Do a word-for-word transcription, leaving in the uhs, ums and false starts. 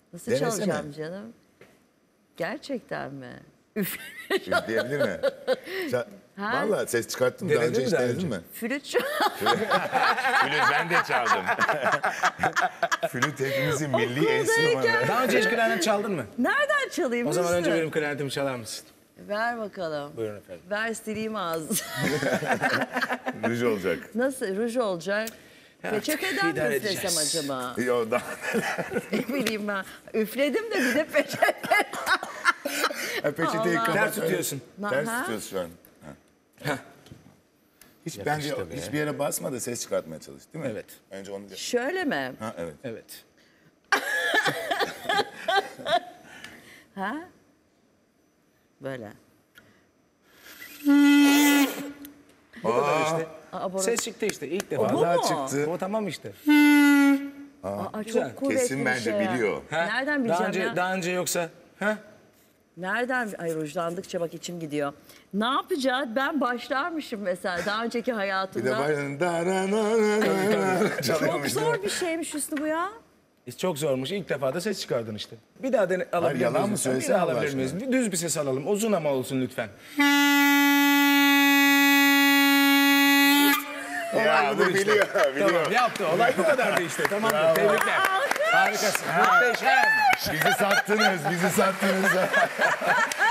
Nasıl Denesene. çalacağım canım? Gerçekten mi? Üf. Üfleyebilir mi? Sen, vallahi ses çıkarttın. Daha Denedin önce mi hiç daha denedin önce? mi? Flüt çal- Flüt ben de çaldım. Flüt hepimizin milli enstrümanı. Daha önce hiç klarnet çaldın mı? Nereden çalayım? O zaman önce Hüsnü? benim klarnetimi çalar mısın? Ver bakalım. Buyurun efendim. Ver sileyim ağzı. Ruj olacak. Nasıl? Ruj olacak. Peçeteden mi idare üflesem edeceğiz. acaba? Yo, daha... Ne bileyim ben. Üfledim de bir de peçete. Ha, peçeteyi Allah. kapat. Ters tutuyorsun. Na- Ters ha? tutuyorsun şu an. Ha. Hiç bence be. hiçbir yere basma da ses çıkartmaya çalış, değil mi? Evet. Önce onu... Şöyle mi? Ha, evet. Evet. Ha? Böyle. Bu kadar işte. Aa, burası- Ses çıktı işte ilk defa. O bu Vallahi mu? çıktı. O tamam işte. Aa, güzel. çok kuvvetli Kesin bir bence şey ya. biliyor. Ha? Nereden Daha bileceğim önce, ya? daha önce yoksa... Ha? Nereden? Ay rujlandıkça bak içim gidiyor. Ne yapacağız? Ben başlarmışım mesela daha önceki Bir de hayatımda. bayranın da ra ra ra ra Çok çalıyormuş. zor bir şeymiş Hüsnü bu ya. E, Çok zormuş. İlk defa da ses çıkardın işte. Bir daha dene, alabilir yalan miyiz mı lütfen? söylesene Bir daha Allah alabilir miyiz? aşkına. Düz bir ses alalım. Uzun ama olsun lütfen. Ya bu biliyor, biliyor. Tamam yaptı. Olay bu kadardı işte. Tamamdır. Tebrikler. Harikasın. Muhteşem. Bizi sattınız, bizi sattınız.